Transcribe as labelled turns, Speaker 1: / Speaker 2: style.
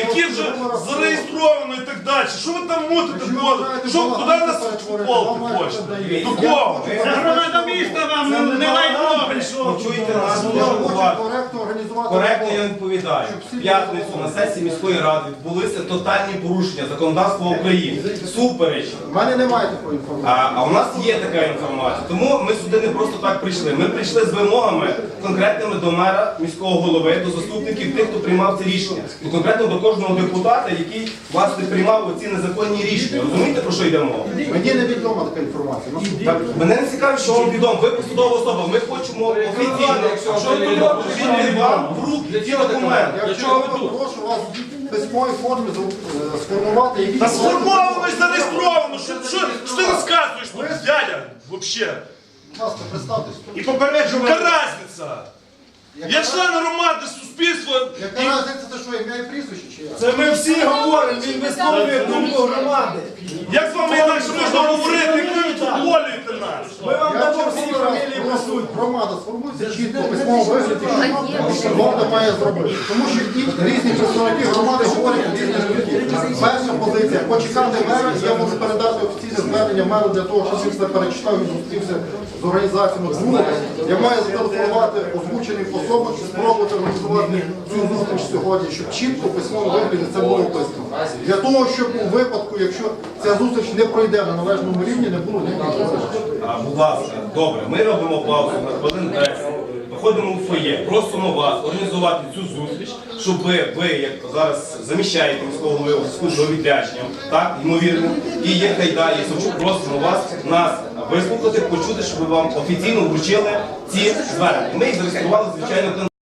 Speaker 1: які вже зареєстровано і так далі. Що ви там мутите? Куди нас футболки хочете? До кого?
Speaker 2: Це громада міста вам не лайно прийшов.
Speaker 3: Почуйте нас дуже уважно. Коректно я відповідаю. В п'ятницю на сесії міської ради відбулися тотальні порушення законодавства України. Супереч.
Speaker 4: У мене немає такої інформації.
Speaker 3: А у нас є така інформація. Тому ми сюди не просто так прийшли. Ми прийшли з вимогами конкретними до мера, міського голови, до заступників тих, хто приймав це рішення. І конкретно до кожного депутата, який, власне, приймав оці незаконні рішення. Розумієте, про що йде мова?
Speaker 4: Мені не відома така інформація.
Speaker 3: Так, мене не цікавить, що вам відомо. Ви посадова особа. Ми хочемо офіційно, що вам в руки ці документи.
Speaker 4: Якщо я прошу вас в письмовій формі сформувати, які...
Speaker 1: Та сформовано і зареєстровано. Що ти розказуєш тут, дядя? Вообще.
Speaker 4: Будь ласка, представтесь.
Speaker 1: І попереджу, яка разниця? Я член громади, суспільства.
Speaker 4: Яка разниця, це що, ім'я і прізвище чи як?
Speaker 5: Це ми всі говоримо, він висловлює думку громади.
Speaker 1: Як з вами інакше можна говорити, як ви відфутболюєте нас?
Speaker 5: Ми вам
Speaker 4: Я
Speaker 5: дамо
Speaker 4: чому
Speaker 5: всі
Speaker 4: раз
Speaker 5: фамілії
Speaker 4: прошу,
Speaker 5: присутні.
Speaker 4: громада, сформуйте чітко в письмовому вигляді, що влада має зробити. Тому що різні представники громади говорять різні думки. Перша позиція – почекати мера, я можу передати офіційне звернення меру для того, щоб він все перечитав і зустрівся з організаціями. Друге, я маю зателефонувати озвученим особам і спробувати організувати цю зустріч сьогодні, щоб чітко в письмовому вигляді це було описано. Для того, щоб у випадку, якщо ця зустріч не пройде на належному рівні, не було ніяких зустрічей.
Speaker 3: Будь ласка, добре, ми робимо паузу на хвилин 10, виходимо у фоє, просимо вас організувати цю зустріч, щоб ви, як зараз заміщаєте міського голови у зв'язку з відрядженням, так, ймовірно, і є Хайда, і Савчук, просимо вас, нас вислухати, почути, щоб ви вам офіційно вручили ці звернення. Ми їх зареєстрували, звичайно,